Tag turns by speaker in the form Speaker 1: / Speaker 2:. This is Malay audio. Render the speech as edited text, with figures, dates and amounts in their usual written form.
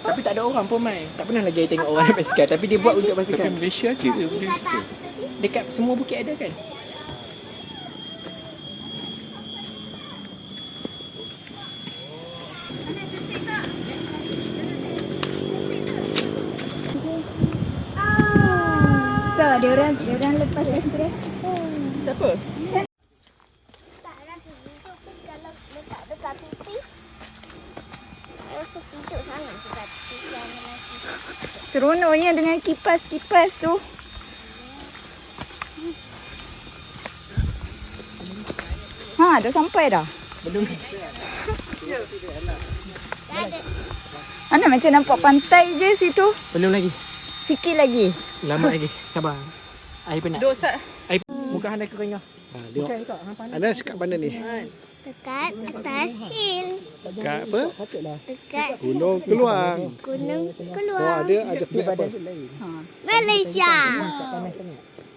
Speaker 1: Tapi tak ada orang pun mai. Tak pernah lagi tengok orang naik basikal. Tapi dia buat untuk basikal.
Speaker 2: Tapi Malaysia je ke benda situ?
Speaker 1: Dekat semua bukit ada kan?
Speaker 3: Tak, dia orang lepas ekstrak.
Speaker 1: Siapa?
Speaker 4: Taklah sejuk pun kalau letak dekat pipi. Rasa sejuk sangat dekat pipi lagi.
Speaker 3: Seronoknya dengan kipas-kipas tu. Ha, dah sampai dah.
Speaker 1: Belum.
Speaker 4: Tak ada.
Speaker 3: Mana macam nampak pantai je situ.
Speaker 1: Belum lagi.
Speaker 3: Sikit lagi.
Speaker 1: Lama lagi. Sabar. Air penat.
Speaker 3: Dosa.
Speaker 1: Air muka hang dah kering dah.
Speaker 2: Tengok.
Speaker 1: Bukan kak, hang panas.
Speaker 2: Anda sekat mana ni?
Speaker 4: Dekat atas hill.
Speaker 2: Dekat apa?
Speaker 1: Patutlah.
Speaker 4: Dekat
Speaker 2: Gunung Keluang.
Speaker 4: gunung
Speaker 2: Oh,
Speaker 4: keluar.
Speaker 2: ada flat apa?
Speaker 1: Badan tu lain.
Speaker 4: Malaysia.
Speaker 1: Tak panas sangat.